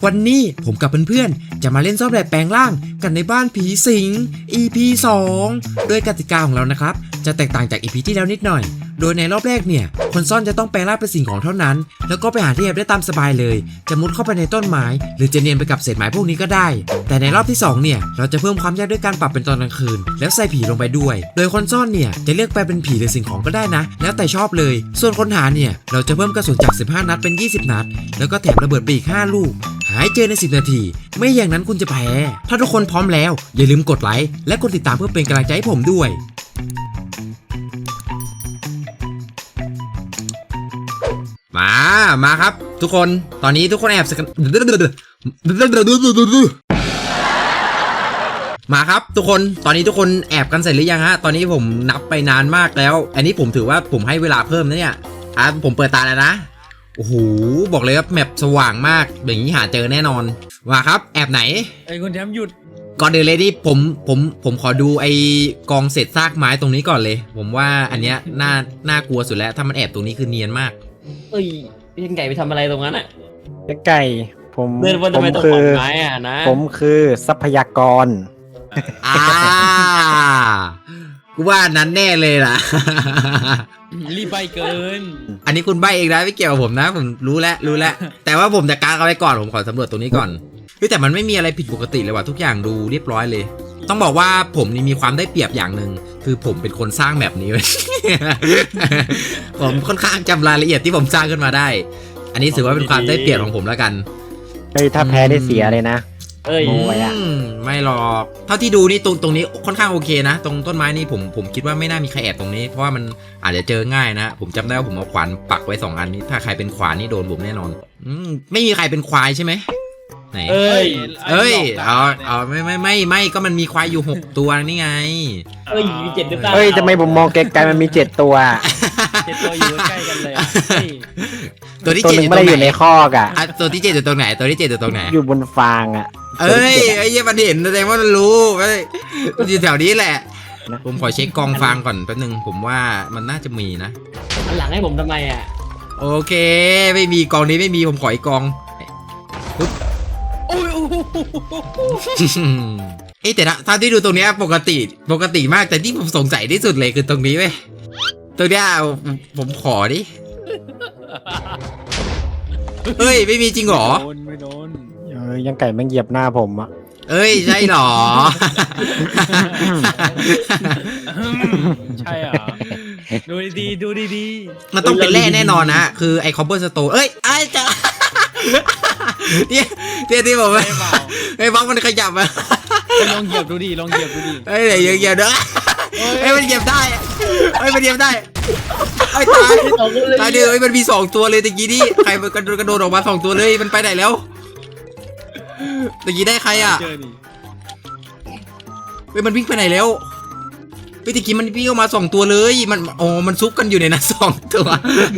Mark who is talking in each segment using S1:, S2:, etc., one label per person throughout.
S1: วันนี้ผมกับเพื่อนๆจะมาเล่นซ่อนแอบแปลงร่างกันในบ้านผีสิง EP 2 โดยกติกาของเรานะครับจะแตกต่างจาก EP ที่แล้วนิดหน่อยโดยในรอบแรกเนี่ยคนซ่อนจะต้องแปลงร่างเป็นสิ่งของเท่านั้นแล้วก็ไปหาที่แอบได้ตามสบายเลยจะมุดเข้าไปในต้นไม้หรือจะเนียนไปกับเศษไม้พวกนี้ก็ได้แต่ในรอบที่2เนี่ยเราจะเพิ่มความยากด้วยการปรับเป็นตอนกลางคืนแล้วใส่ผีลงไปด้วยโดยคนซ่อนเนี่ยจะเลือกแปลเป็นผีหรือสิ่งของก็ได้นะแล้วแต่ชอบเลยส่วนคนหาเนี่ยเราจะเพิ่มกระสุนจาก15นัดเป็น20นัดแล้วก็แถมระเบิดไปอีก5ลูกหายเจอใน10นาทีไม่อย่างนั้นคุณจะแพ้ถ้าทุกคนพร้อมแล้วอย่าลืมกดไลค์และกดติดตามเพื่อเป็นกำลังใจให้ผมด้วยมาครับทุกคนตอนนี้ทุกคนแอบสกันมาครับทุกคนตอนนี้ทุกคนแอบกันเสร็จหรือยังฮะตอนนี้ผมนับไปนานมากแล้วอันนี้ผมถือว่าผมให้เวลาเพิ่มนะเนี่ยผมเปิดตาแล้วนะโอ้โหบอกเลยว่าแมปสว่างมากอย่างนี้หาเจอแน่นอนมาครับแอบไหน
S2: ไอ้คนแถมหยุด
S1: ก่อนเดินเลยดิผมขอดูไอ้กองเศษซากไม้ตรงนี้ก่อนเลยผมว่าอันเนี้ยน่ากลัวสุดแล้วถ้ามันแอบตรงนี้คือเนียนมาก
S3: เอ้ยพี่ไก่ไปทำอะไรตรงนั้นอ่ะ
S4: ไก่ผม
S3: คือไม้อ่ะนะ
S4: ผมคือทรัพยากร
S1: กูว่านั้นแน่เลยล่ะ
S2: รีบใบเกิน
S1: อันนี้คุณใบเองนะไม่เกี่ยวกับผมนะผมรู้แล้วแต่ว่าผมจะกางเอาไว้ก่อนผมขอสำรวจตรงนี้ก่อนแต่มันไม่มีอะไรผิดปกติเลยว่ะทุกอย่างดูเรียบร้อยเลยต้องบอกว่าผมนี่มีความได้เปรียบอย่างหนึ่งคือผมเป็นคนสร้างแบบนี้ ผมค่อนข้างจำรายละเอียดที่ผมสร้างขึ้นมาได้อันนี้ถือว่าเป็นความได้เปรียบของผมแล้วกัน
S4: เฮ้ยถ้าแพ้ได้เสียเลยนะ
S1: ไม่หรอกเท่าที่ดูนี่ตรงนี้ค่อนข้างโอเคนะตรงต้นไม้นี่ผมคิดว่าไม่น่ามีใครแอบตรงนี้เพราะว่ามันอาจจะเจอง่ายนะผมจำได้ว่าผมเอาขวานปักไว้2อันนี้ถ้าใครเป็นขวานนี่โดนผมแน่นอนไม่มีใครเป็นควายใช่ไหมไหนเอ้ยเอาไม่ก็มันมีควายอยู่6ตัวนี่ไง
S3: มี7หรือเปล่า
S4: ทำไมผมมองไกลๆมันมี7ตัว
S2: 7ตัวอยู่ใกล้กันเลย
S1: ตัวที่
S4: 7ไม่ได้อยู่ในคอกอ่ะ
S1: ตัวที่7อยู่ตรงไหนตัวที่7อยู่ตรงไหน
S4: อยู่บนฟางอ่ะ
S1: ไอ้เหี้ยมันเห็นแสดงว่ามันรู้มันอยู่แถวนี้แหละผมขอเช็คกองฟางก่อนแป๊บนึงผมว่ามันน่าจะมีนะ
S3: หลังให้ผมทำไมอ่ะ
S1: โอเคไม่มีกองนี้ไม่มีผมขออีกกองแต่ถ้าที่ดูตรงนี้ปกติมากแต่ที่ผมสงสัยที่สุดเลยคือตรงนี้เว้ยตัวเนี้ยผมขอดิเฮ้ยไม่มีจริงหรอ
S2: ไม่โดน
S4: ยังไก่มันเหยียบหน้าผมอ่ะ
S1: ใช่หรอ
S2: ใช่อ่ะดูดี
S1: มันต้องเป็นแร่แน่นอนนะคือไอคอปเปอร์สโตนจะที่ผมไอ้บล็อกมันขยับอะ
S2: ลองเหยียบดูดิเหยียบ
S1: เดี๋ยวเด้อมันเหยียบได้มันเหยียบได้ตายดิมันมี2ตัวเลยตะกี้นี่ใครมันกระโดดออกมา2ตัวเลยมันไปไหนแล้วตะกี้ได้ใครอ่ะมันวิ่งไปไหนแล้วตะกี้มันวิ่งออกมา2ตัวเลยมันซุกกันอยู่ในนั้น2ตัว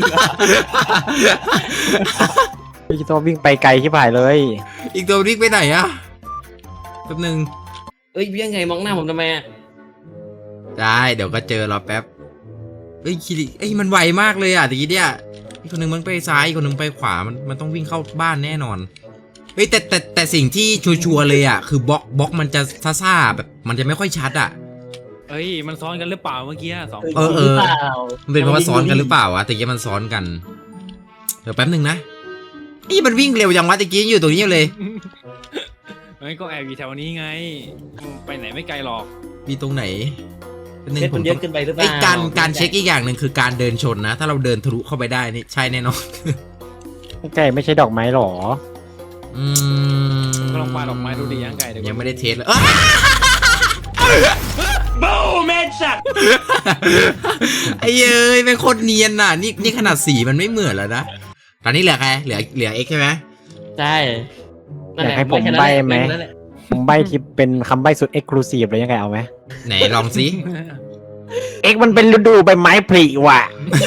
S4: อีกตัววิ่งไปไกลที่ผ่ายเลย
S1: อีกตัววิ่งไปไหนอะแป๊บนึง
S3: พี่ยังไงมองหน้าผมทำไมอะ
S1: ได้เดี๋ยวก็เจอรอแป๊บมันไวมากเลยอ่ะตะกี้เนี่ยอีกคนนึงมันไปซ้ายอีกคนนึงไปขวามันต้องวิ่งเข้าบ้านแน่นอนแต่สิ่งที่ชัวร์เลยอ่ะคือบล็อกมันจะซ่าแบบมันจะไม่ค่อยชัดอ่ะ
S2: มันซ้อนกันหรือเปล่าเมื่อกี้2
S1: มันเป็นเพราะว่าซ้อนกันหรือเปล่าอะตะกี้มันซ้อนกันเดี๋ยวแป๊บนึงนะมันวิ่งเร็วจังวะตะกี้อยู่ตรงนี้เลย
S2: ก็แอบอยู่แถวนี้ไงไปไหนไม่ไกลหรอก
S1: มีตรงไหน
S3: ผมเยอะขึ้นไปหรือเปล่า
S1: การเช็คอีกอย่างหนึ่งคือการเดินชนนะถ้าเราเดินทะลุเข้าไปได้นี่ใช่แน่นอน
S4: ไก่ไม่ใช่ดอกไม้หรอ
S2: ก็ลองปาดอกไม้ดูดิยังไก่
S1: ยังไม่ได้เทสเลย
S3: บูแมนสัก
S1: เป็นโคตรเนียนน่ะนี่ขนาดสีมันไม่เหมือนแล้วนะตอนนี้เหลือใครเหลือเอ็กใช่ไหม
S3: ใช่
S4: อยากให้ผมใบ้ไหมผมใบ้ที่เป็นคำใบ้สุดเอ็กซ์คลูซีฟเลยยังไงเอาไหม
S1: ไหนลองสิ
S4: เอ็กมันเป็นฤดูใบไม้ผลิว่ะ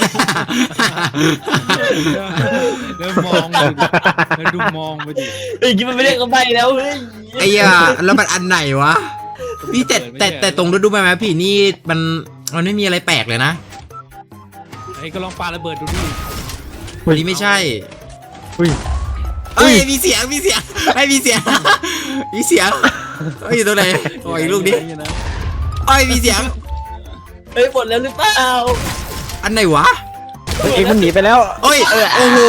S2: แล้วมองไปดิ
S3: คิดมันไม่ได้คำใบ้แล้ว
S1: แล้วมันอันไหนวะพี่แต่ตรงฤดูใบไม้ผลินี่มันไม่มีอะไรแปลกเลยนะ
S2: ก็ลองปาระเบิดดูดิ
S1: วันนี้ไม่ใช่เอ้ยมีเสียงมีเสียงไอ้ยมีเสียงมีเสียงเอ้ยอยู่ตรงไหนโอ้ยลูกนี้เอ้ยมีเสียง
S3: เฮ้ยหมดแล้วหรือเปล่า
S1: อันไหนวะ
S4: เอ็กมันหนีไปแล้ว
S1: โอ้ยโอ้โห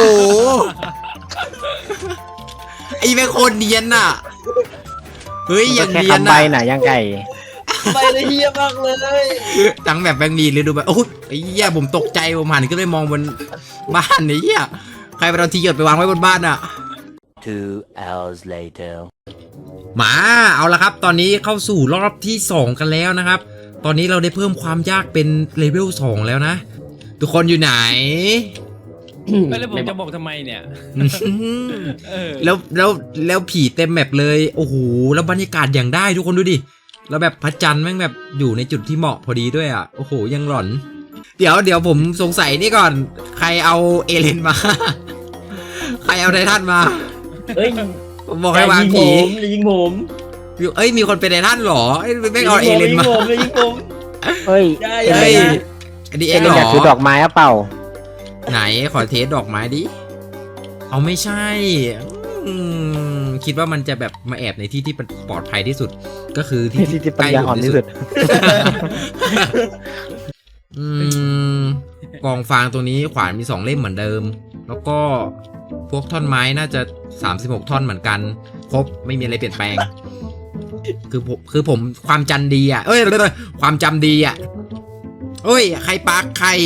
S1: ไอ้แม่งโคตรเนียนน่ะเฮ้ยอย่าง
S4: แค่
S1: เนียน
S4: คำใบ
S1: น่ะ
S4: น่ะยังไก่
S3: ไปเลยเฮียมากเลย
S1: ทั้งแบบแบงมีเลยดูแบบโอ้ยไอ้เหี้ยผมตกใจผมหันขึ้นไปมองบนบ้านไอ้เหี้ยใครไปเอาทีหยดไปวางไว้บนบ้านอ่ะ
S5: 2 hours later.
S1: มาเอาละครับ ตอนนี้เข้าสู่รอบที่ 2 กันแล้วนะครับ ตอนนี้เราได้เพิ่มความยากเป็นเลเวล 2 แล้วนะ ทุกคนอยู่ไหน
S2: ไม่แล้วผมจะบอกทำไมเนี่ยเออ
S1: แล้วผีเต็มแมปเลยโอ้โหแล้วบรรยากาศอย่างได้ทุกคนดูดิแล้วแบบพระจันทร์แม่งแบบอยู่ในจุดที่เหมาะพอดีด้วยอ่ะโอ้โหยังหลอน เดี๋ยวผมสงสัยนี่ก่อนใครเอาเอเลนมา ใครเอาไททันมา
S3: เฮ้ย
S1: ผมบอกให้วางผี
S3: อย่ายิงผม
S1: เอ้ยมีคนเป็นไททันเหรอเอ้ยไม่เอาเอเลนมา
S3: อย่ายิงผม
S4: เฮ้ย
S3: อย่า
S1: เฮ้ย
S3: อย่า
S1: อันนี้
S4: เอ็
S1: เอ็
S4: ก
S1: งเหร
S4: อยากถือด
S1: อ
S4: อกไม้อะเปล่า
S1: ไหนขอเทสดอกไม้ดิเอาไม่ใช่คิดว่ามันจะแบบมาแอบในที่ที่ปลอดภัยที่สุด ก็คือที่
S4: ที่ปัญญาอ่อนที่สุด
S1: อืมกองฟางตรงนี้ขวานมี2 เล่มเหมือนเดิม แล้วก็พวกท่อนไม้น่าจะ36 ท่อนเหมือนกันครบไม่มีอะไรเปลี่ยนแปลง คือผมความจำดีอ่ะเอ้ยความจำดีอ่ะเอ้ยใครปักใคร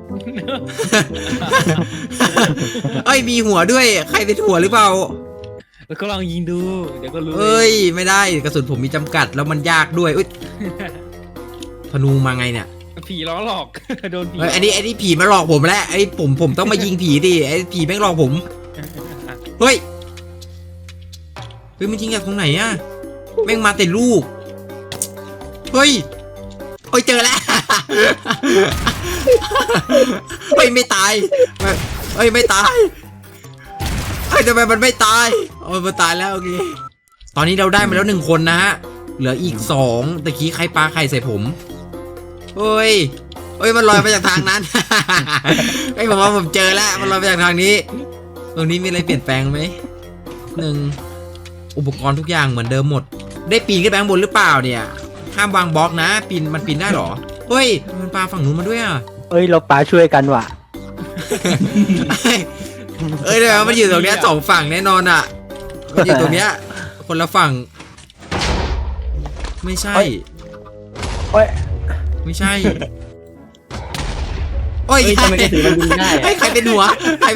S1: เอ้ยมีหัวด้วยใครเป็นหัวหรือเปล่า
S2: แล้วก็ลองยิงดูเดี๋ยวก็รู้
S1: เอ้ยไม่ได้กระสุนผมมีจำกัดแล้วมันยากด้วยอุ๊ยธนูมาไงเนี่ย
S2: ผีล้อหลอก โดนผี
S1: เฮ้ยอันนี้ผีมาหลอกผมแล้วไอ้ผมต้องมายิงผีดิไอ้ผีแม่งหลอกผมเฮ้ยมันยิงจากตรงไหนอะแม่งมาแต่ลูกเฮ้ยเจอแล้ว เฮ้ยไม่ตายเฮ้ยไม่ตายเฮ้ยทำไมมันไม่ตายมันตายแล้วโอเคตอนนี้เราได้มาแล้ว1 คนนะฮะเหลืออีก2ตะกี้ใครปาใครใส่ผมเฮ้ยมันลอยมาจากทางนั้น ไอ้ผมว่าผมเจอแล้วมันลอยมาจากทางนี้ตรงนี้มีอะไรเปลี่ยนแปลงไหมอุปกรณ์ทุกอย่างเหมือนเดิมหมดได้ปีนขึ้นไปข้างบนหรือเปล่าเนี่ยห้ามวางบล็อกนะมันปีนได้หรอเฮ้ยมันปาฝั่งนู้นมาด้วยอ่ะ
S4: เอ้ยเราปาช่วยกันว่ะ
S1: เดี๋ยวมันอยู่ตรงเนี้ย2 ฝั่งแน่นอนอ่ะมันอยู่ตรงเนี้ยคนละฝั่งไม่ใช่
S4: โอ้ย
S1: ไม่ใช่
S3: เฮ้ยทำไมกระสือมันยิงได้อะ
S1: ใครเป็นหัว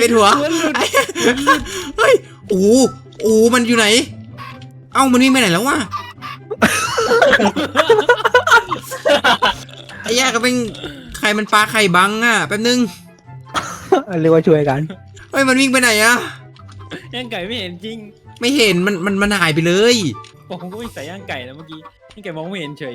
S1: เฮ้ยโอ้มันอยู่ไหนเอ้ามันวิ่งไปไหนแล้ววะ ไอ้แย่ก็เป็นใครมันปลาไข่บังอ่ะแป๊บนึง
S4: เรียกว่าช่วยกัน
S1: เฮ้ยมันวิ่งไปไหนอ่ะ
S2: ย่างไก่ไม่เห็นจริง
S1: ไม่เห็นมันหายไปเลย
S2: ผมก็ไม่ใส่ย่างไก่นะเมื่อกี้ย่างไก่มองไม่เห็นเฉย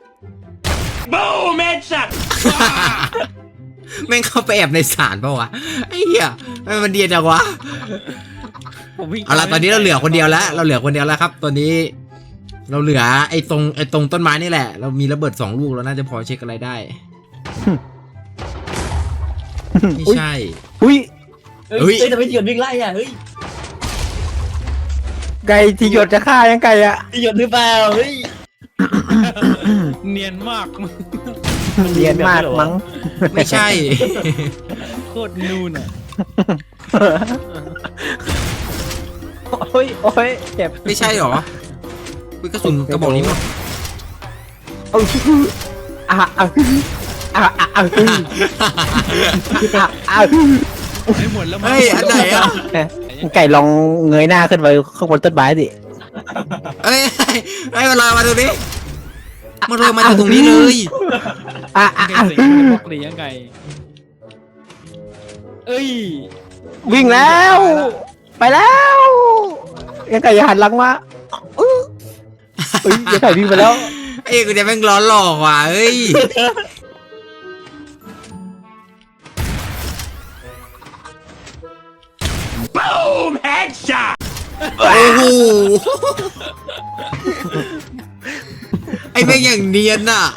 S1: แม่งเข้าไปแอบในศาลเปล่าวะไอ้เหี้ยมันเดียดจังวะ
S2: ผมวิ่ง
S1: เอาละตอนนี้เราเหลือคนเดียวแล้วครับตอนนี้ เราเหลือไอ้ตรงต้นไม้นี่แหละ เรามีระเบิด2 ลูกเราน่าจะพอเช็คอะไรได้ไม่ใช่
S4: อุ้ย
S1: เฮ้ย
S3: ทำไมหยดวิ่งไล่อ่ะเฮ้ย
S4: ไก่ที่หยดจะฆ่ายังไก่อะ
S3: หยดหรือเปล่าเฮ้ย
S2: เนียนมาก
S4: เรียนมากมั้ง
S1: ไม่ใช่
S2: โคตรนูนอ่ะ
S4: โอ้ยเจ็บ
S1: ไม่ใช่หรออุ๊ยกระสุนกระบอกนี้หมด
S4: โอ้ย
S2: ไม่หมดแล้ว
S1: เฮ้ยอันไหนอ่ะ
S4: ไก่ลองเงยหน้าขึ้นไปข้างบนต้นไม้ดิ
S1: เฮ้ยมันลอยมาตรงนี้มันลอยมาจากตรงนี้เลย
S2: ไก่สิงบล็อกเลยย่างไก่เอ้ย
S4: วิ่งแล้ว ไปแล้วยังไก่อย่าหันหลังมาเอ้ยยังไก่วิ่งไปแล้ว
S1: ไอ้กูจะแม่งร้อนหลอกว่ะเฮ้ยโอ้โหไอ้แม่งอย่างเนียนน่ะ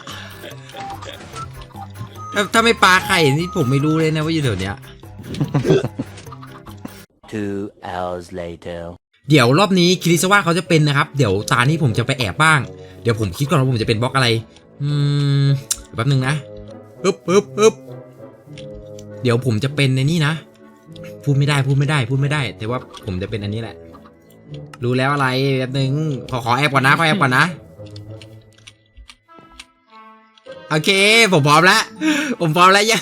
S1: ถ้าไม่ปลาไข่นี่ผมไม่รู้เลยนะว่าอยู่แถวเนี้ย
S5: 2 hours later.
S1: เดี๋ยวรอบนี้คิริซาวะเขาจะเป็นนะครับเดี๋ยวตานี้ผมจะไปแอบบ้างเดี๋ยวผมคิดก่อนว่าผมจะเป็นบล็อกอะไรแป๊บนึงนะปึ๊บเดี๋ยวผมจะเป็นในนี่นะพูดไม่ได้แต่ว่าผมจะเป็นอันนี้แหละรู้แล้วอะไรแป๊บนึงขอแอบก่อนนะโอเคผมพร้อมแล้วยัง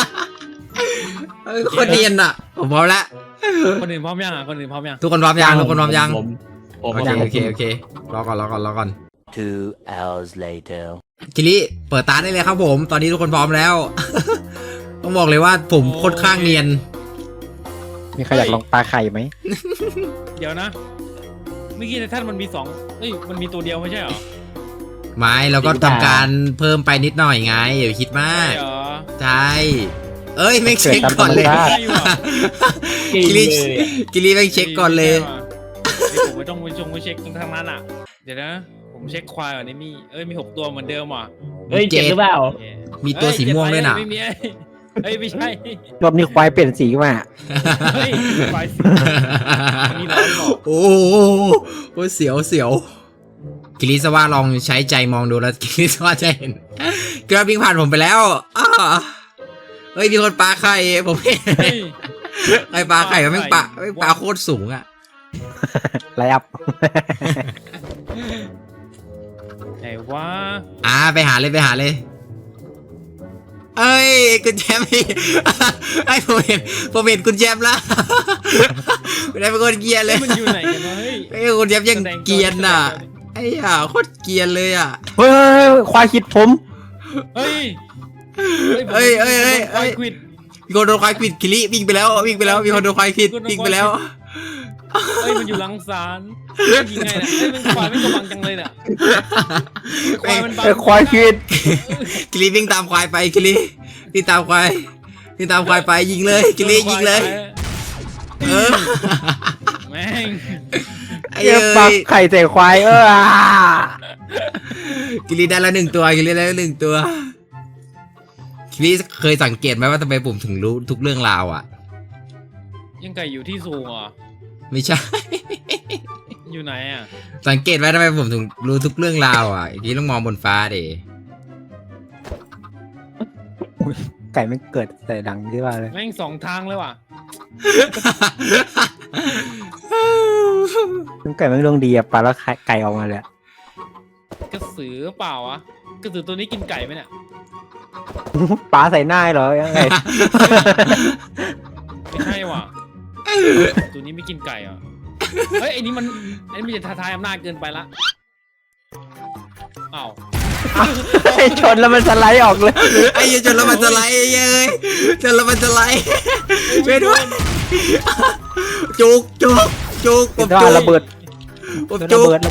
S1: คนเรียนอ่ะผมพร้อมแล้ว
S2: คนอื่นพร้อมยังอ่ะคนอื่นพร้อมยัง
S1: ทุกคนพร้อมยัง
S3: ผม
S1: โอเครอก่อน
S5: 2 hours later.
S1: คิริเปิดตาได้เลยครับผมตอนนี้ทุกคนพร้อมแล้ว ต้องบอกเลยว่าผมค่อนข้างเนียน
S4: มีใครอยากลองปลาไข่ไหม
S2: เดี๋ยวนะเมื่อกี้ในท่านมันมีมันมีตัวเดียวไม่ใช่เหรอ
S1: ไม่เราก็ทำการเพิ่มไปนิดหน่อยไงอย่าไปคิดมาก
S2: ใช่เหรอ
S1: ใช่เอ้ยไม่เช็คก่อนเลย
S4: เกิดตามธรรมชาติ
S2: ใช่ว่ะ
S1: กิริไม่เช็คก่อนเลย
S2: ผมไม่ต้องไปเช็คตรงทางนั้นอ่ะเดี๋ยวนะผมเช็คควายก่อนนี่มี6ตัวเหมือนเดิมว่ะ
S3: เฮ้ยเจ็บหรือเปล่า
S2: โอเค
S1: มีตัวสีม่วงด้วยน่ะ
S2: ไม่มีไม่ใช่
S4: รอบนี้ควายเปลี่ยนสีมา
S2: เฮ้ยควายสีนี่ร้อนบอก
S1: โอ้โหเสียวกิริสว่าลองใช้ใจมองดูแล้วกิริสว่าจะเห็นกราบวิ่งผ่านผมไปแล้วเฮ้ยมีคนปลาไข่ผมเห็น
S2: เฮ้ย
S1: ไอ้ปลาไข่มันไม่ปลาโคตรสูงอ่ะ
S4: ไลอัพ
S2: ไหนวะ
S1: ไปหาเลยเอ้ยคุณแจมพี่ไอ้ผมเห็นคุณแจมแล้วไม่ได้เป็นคนเกียร์เลย
S2: มันอยู่ไหนกันวะเฮ้ย
S1: ไอ้คุณแจมยังเกียร์น่ะไอ้ห่าโคตรเกียร์เลยอ่ะ
S4: เฮ้ยควายคิดผม
S2: เฮ้ย
S1: เฮ้ย
S2: ควายควิด
S1: มีคนโดนควายควิดคิริวิ่งไปแล้วมีคนโดนควายควิดวิ่งไปแล้ว
S2: เฮ้ยมันอยู่หลังศาลยิงไงเนี่ยมันควายไม่กำลังจังเลยเนี่ยควายมันบัง
S4: ควายคิด
S1: คิริวิ่งตามควายไปคิริวิ่งตามควายไปยิงเลยคิริยิงเลย
S2: แม่ง
S1: ไอ้
S4: เยี่ยปลาไข่ใส่ควาย
S1: คิริได้ละ1 ตัวคิริเคยสังเกตไหมว่าทำไมผมถึงรู้ทุกเรื่องราวอ่ะ
S2: ยังไก่อยู่ที่สูงอ่ะ
S1: ไม่ใช่
S2: อยู่ไหนอ่ะ
S1: สังเกตไว้ทำไมผมถึงรู้ทุกเรื่องราวอ่ะอย่างนี้ต้องมองบนฟ้าดิ
S4: ไก่ไม่เกิดแต่ดังที่ว่าเลย
S2: แม่ง2 ทางเลยว่ะ
S4: ไก่ไม่ดวงดีอะปลาแล้วไก่ออกมาเลย
S2: กระสือเปล่าวะกระสือตัวนี้กินไก่ไหมเนี่ย
S4: ปลาใส่หน้าเหรอยังไง
S2: ไม่ใช่ว่ะตัวนี้ไม่กินไก่อ่ะเฮ้ยไอ้นี่มันจะท้าทายอำนาจเกินไปละอ้าว
S4: ชนแล้วมันสไลด์ออกเลย
S1: ไอ้เหี้ยจนแล้วมันจะไหลจนแล้วมันจะไหลช่วยด้วยจุกผม
S4: ว่า
S1: จุก
S4: ระเบิด
S1: ผม
S4: ระ
S1: จุก
S4: เบิด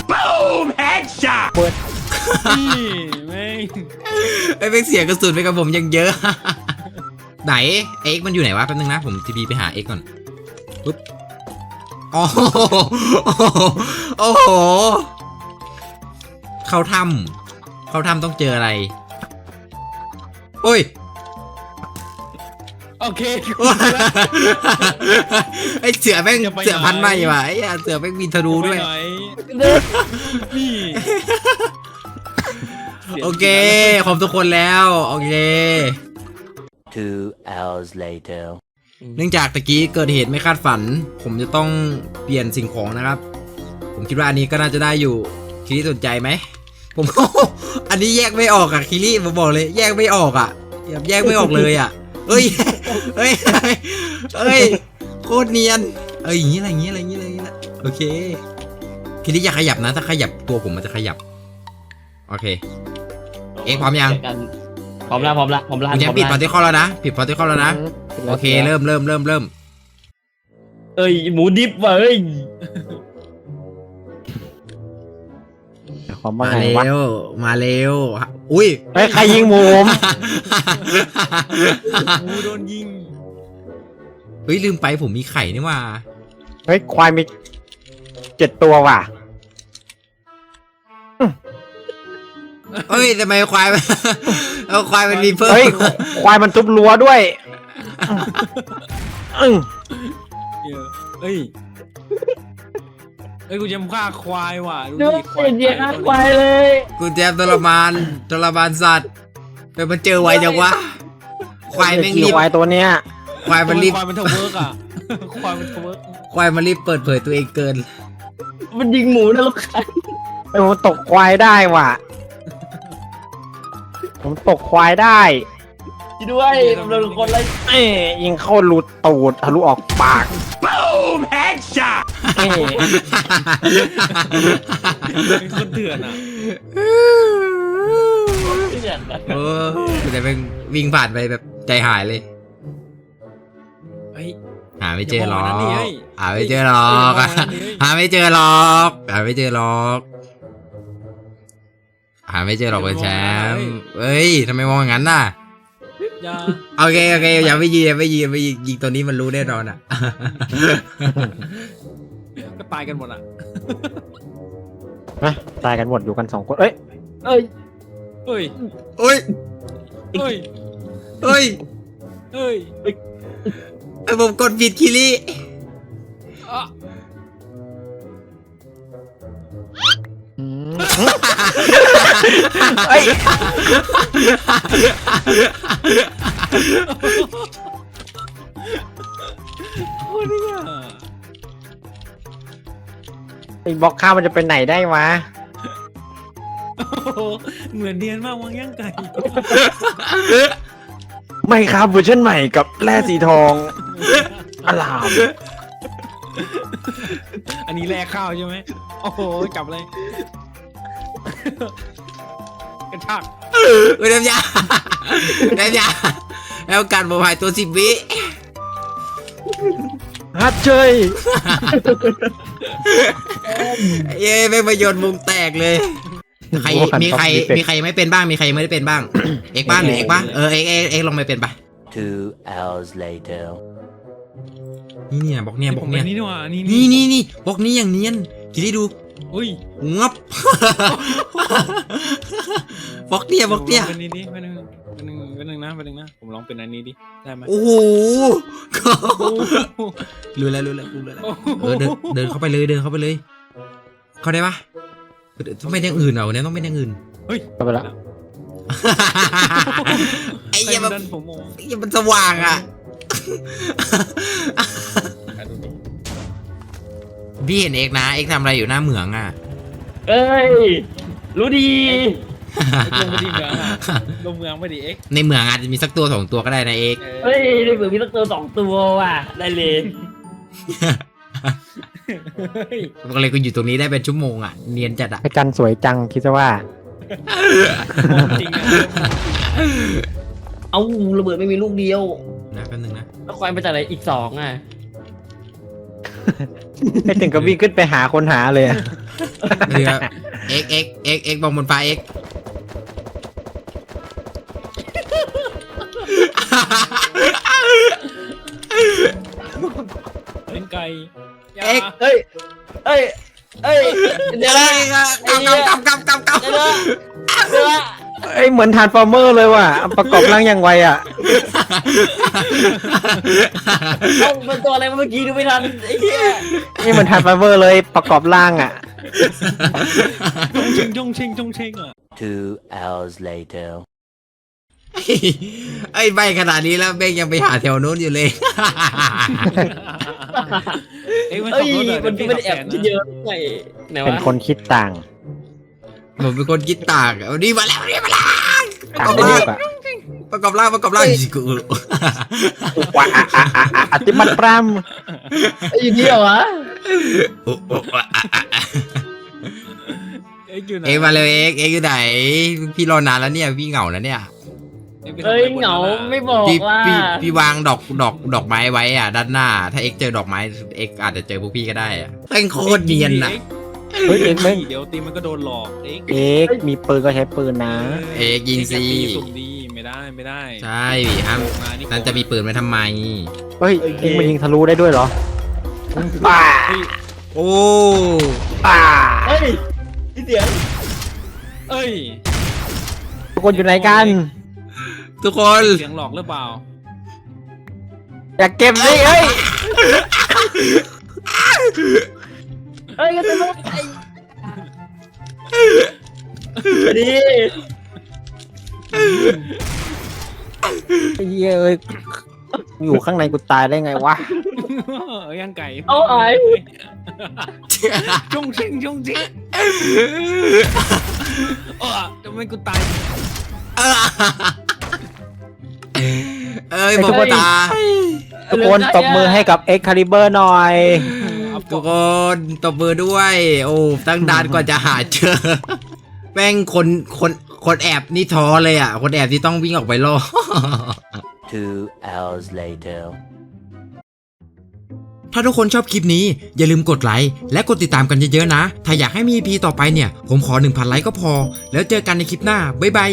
S2: นี่แม่ง
S1: ไอ้เป็นเสียงกระสุนไปกับผมยังเยอะ ไหนเอ็กมันอยู่ไหนวะแป๊บนึงนะผมทีบีไปหาเอ็กก่อนปุ๊บโอ้โหเข้าถ้ำต้องเจออะไรโอ้ย
S2: โอเค
S1: ไอเสือแม่งเสือพันธุ์ใหม่ว่ะไอ้เสือแม่งมีธนูด้วย
S2: ไปไหนนี่
S1: โอเคครบทุกคนแล้วโอเค
S5: 2 hours later.
S1: เนื่องจากตะกี้เกิดเหตุไม่คาดฝัน ผมจะต้องเปลี่ยนสิ่งของนะครับ ผมคิดว่าอันนี้ก็น่าจะได้อยู่คิริสนใจไหมผม อันนี้แยกไม่ออกอ่ะคิริผมบอกเลยแยกไม่ออกอ่ะแยกไม่ออกเลยอ่ะเฮ้ยโคตรเนียนอย่างนี้ละโอเคคิริอย่าขยับนะถ้าขยับตัวผมมันจะขยับโอเคเอ็กพร้อมยัง
S3: พร้อมแล้ว
S1: คุณแจมปิดพาร์ติคอลแล้วนะโอเคเริ่ม
S3: เอ้ยหมูดิบว่ะเอ้ย
S4: ความว่า
S1: มา
S4: ไง
S1: เร็
S4: วะ
S1: วมาเร็วอุ้ย
S4: เฮ้ยใครยิงหมูผม
S2: งูโดนยิง
S1: เฮ้ยลืมไปผมมีไข่นี่ว่า
S4: เฮ้ยควายมี7 ตัวว่ะ
S1: เฮ้ยทำไมควาย เอาควายมันมีเพิ่ม
S4: เฮ้ยควายมันทุบรั้วด้วย
S2: เดี๋ยวเอ้ยกูจะฆ่าควายว่ะดู
S3: ดู
S2: ดิ
S3: เย็นๆนะควายเลย
S1: กูแจมทรมานสัตว์ไปมันเจอไวจังวะควายแม่งรีบ
S4: ควายตัวเนี้ย
S1: ควายมันรีบ
S2: ควายมันทะเวิร์กอ่ะควายมันทะเวิร์ก
S1: ควายมันรีบเปิดเผยตัวเองเกิน
S3: มันยิงหมูนะลูกค้า
S4: ไอ้ผมตกควายได้ว่ะผมตกควายได้
S3: ด้วยโดนคนไล่
S4: ยิงเข้ารูตูดทะลุออกปากเอ้ย
S2: เป็นคนเถื่อนอ่ะ
S3: ที่เนี่ยนะ
S1: เออแต่แม่งวิ่งผ่านไปแบบใจหายเลย
S2: เฮ้ย
S1: หาไม่เจอหรอก
S2: อย่าบอกนะนี่เฮ้ย
S1: หาไม่เจอหรอก
S2: อย่าบอกนะนี่เฮ้ย
S1: หาไม่เจอหรอกหาไม่เจอหรอกหาไม่เจอหรอกคุณแชมป์เฮ้ยทำไมมองอย่างนั้นน่ะ
S2: อย่า
S1: โอเคอย่าไปยิงตัวนี้มันรู้แน่นอนอ่ะ
S2: ก็ตายกันหมดอ่ะ
S4: นะตายกันหมดอยู่กัน2 คนเอ้ย
S3: เอ้ย
S2: เฮ้ย
S1: โอ้ย
S2: เฮ้ย
S1: เฮ้ย
S2: เฮ้ย
S1: ไอ้ผมกดผิดคิริ
S2: อ่ะ
S4: เอ้ย
S2: โอ้ยเนี่ย
S4: ไอ้บล็อกข้าวมันจะไปไหนได้วะ
S2: โอ้โหเหมือนเดียนมากวางย่างไก่
S4: ไม่ครับเวอร์ชันใหม่กับแร่สีทองอลาม
S2: อันนี้แลกข้าวใช่ไหมโอ้โหจับเลยกระชาก
S1: เฮ้ยเดมยาแล้วการบวายตัว10 วิ
S4: ฮัทเชย
S1: เย้ไม่ประโยชน์มุงแตกเลยมีใครไม่เป็นบ้างมีใครไม่ได้เป็นบ้าง เอกบ้างหรือเอกบ้างเอกลองไปเป็นปะ
S5: 2 hours later.
S1: นี่บอกเนี่ย
S2: ผมเป็นนี่นี่หว่านี่
S1: นี่บอกนี้อย่างเนียนคิดให้ดู
S2: อุ้ย
S1: งับ บอกเนี่ย
S2: เป็นนี่ดิเป็นหนึ่งนะผมลองเป็นอันนี้ดิได้ไหม
S1: โอ้โหรู้แล้วเดินเข้าไปเลยเข้าได้ปะต้องเป็นอย่างอื่นเหรอเนี่ยต้องเป็นอย่างอื่น
S2: เฮ้ย
S4: ก็ไปละ
S1: ไอ้เหี้ย
S2: ดันผมมอง
S1: มันสว่างอ่ะพี่เห็นเอกนะเอกทำอะไรอยู่หน้าเหมืองอ่ะ
S3: เอ้ยรู้ดี
S2: ลงไปดีเมืองอ่ะลงเมืองไม่ดีเอ็ก
S1: ในเหมืองอาจจะมีสักตัว2 ตัวก็ได้นะเอก
S3: เฮ้ยได้เผื่อมีสักตัว2 ตัวว่ะได้เลย
S1: ก็เลยก็อยู่ตรงนี้ได้เป็นชั่วโมงอ่ะเนียนจัดอ่ะ
S4: พระจันทร์สวยจังคิดซะว่า
S2: จริงอ่ะ
S3: เอาระเบิดไม่มีลูกเดียว
S1: นะแป๊บนึงนะ
S3: แล้วควายมาจากไหนอีก2อ่ะ
S4: ไม่ถึงกับวิ่งขึ้นไปหาคนหาเลยอะ
S1: เรือเอกบองบนฟ้าเอก
S2: เป็นไก่
S1: เอก
S3: เฮ้ยเดี๋ยวนะ
S1: กำ
S3: เดี๋ยวนะ
S4: เอ้ยเหมือนทานฟอร์เมอร์เลยว่ะประกอบร่างอย่างไวอ่ะ
S3: ต้องเป็นตัวอะไรเมื่อกี้ดูไม่ทันไอ้เหี้ย
S4: นี่เหมือนทานฟอร์เมอร์เลยประกอบร่างอ่ะ
S2: จงเชงอ่ะ
S5: 2 hours later.
S1: ไอ้ใบขนาดนี้แล้วเบงยังไปหาแถวโน้นอยู่เลย
S2: เอ็กมัน
S3: เอ้
S2: ขั
S3: ย
S2: บรถอะ
S3: มันไม่ได้แอบเยอะไงไหน
S4: เป็น
S3: วะ
S4: คนคิดต่าง
S1: ผมเป็นคนคิดต่างเอานี่มาแล้ว
S4: ต่างกันเยอะอ่ะ
S1: ประกอบร่างกู
S4: ว้าอติมัตปราม
S3: ไอ้เหี้ยวะ
S2: เอ็กอยู่ไหน
S1: เอกมาเลยเอกอยู่ไหนพี่รอนานแล้วเนี่ยพี่เหงาแล้วเนี่ย
S3: เอ้ยเหงาไม่บอก
S1: พี่
S3: ว่า
S1: พี่วางดอกไม้ไว้อ่ะด้านหน้า ถ้าเอกเจอดอกไม้เอกอาจจะเจอพวกพี่ก็ได้อ่ะแม่งโคตรเนียนอ่ะ
S4: เฮ้ยเอกไม่
S2: เดี๋ยวตีมันก็โดนหลอกเอ็ก
S4: เอกมีปืนก็ใช้ปืนนะ
S1: เอกยิงสิ
S2: สุ่มดีไม่ได้
S1: ใช่ห้าม
S2: มานี่
S1: นั่นจะมีปืนไว้ทำไม
S4: เฮ้ยเอกมันยิงทะลุได้ด้วยเหรอป้า
S2: เฮ้ย
S1: โอ้
S4: ป้า
S3: เฮ้ยพี่เสียง
S2: เอ้ย
S4: ทุกคนอยู่ไหนกัน
S1: ทุกคน
S2: เสียงหลอกหรือเปล่า
S4: อยากเก็บสิเฮ้ย
S3: เฮ้ยก็จะไม่ไอ้ดี
S4: ไอ้เหี้ยเอ้ยอยู่ข้างในกูตายได้ไงวะ
S2: ย่างไก่
S3: เอาไอ้
S2: จุ้งชิงจุ้งชิงทำไมกูตาย
S1: เอ้ยบอกว่าตาย
S4: ทุกคนตบมือให้กับ Excalibur หน่อย
S1: ทุกคนตบมือด้วย โอ้ตั้งนานกว่าจะหาเจอแม่งคนแอบนี่ท้อเลยอ่ะคนแอบที่ต้องวิ่งออกไปล่อ
S5: 2 hours later.
S1: ถ้าทุกคนชอบคลิปนี้อย่าลืมกดไลค์และกดติดตามกันเยอะๆนะ ถ้าอยากให้มี EP ต่อไปเนี่ย ผมขอ 1,000 ไลค์ก็พอ แล้วเจอกันในคลิปหน้า บ๊ายบาย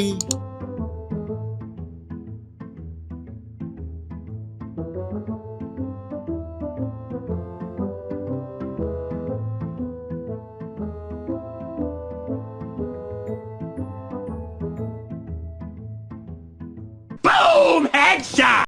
S6: Boom! Headshot!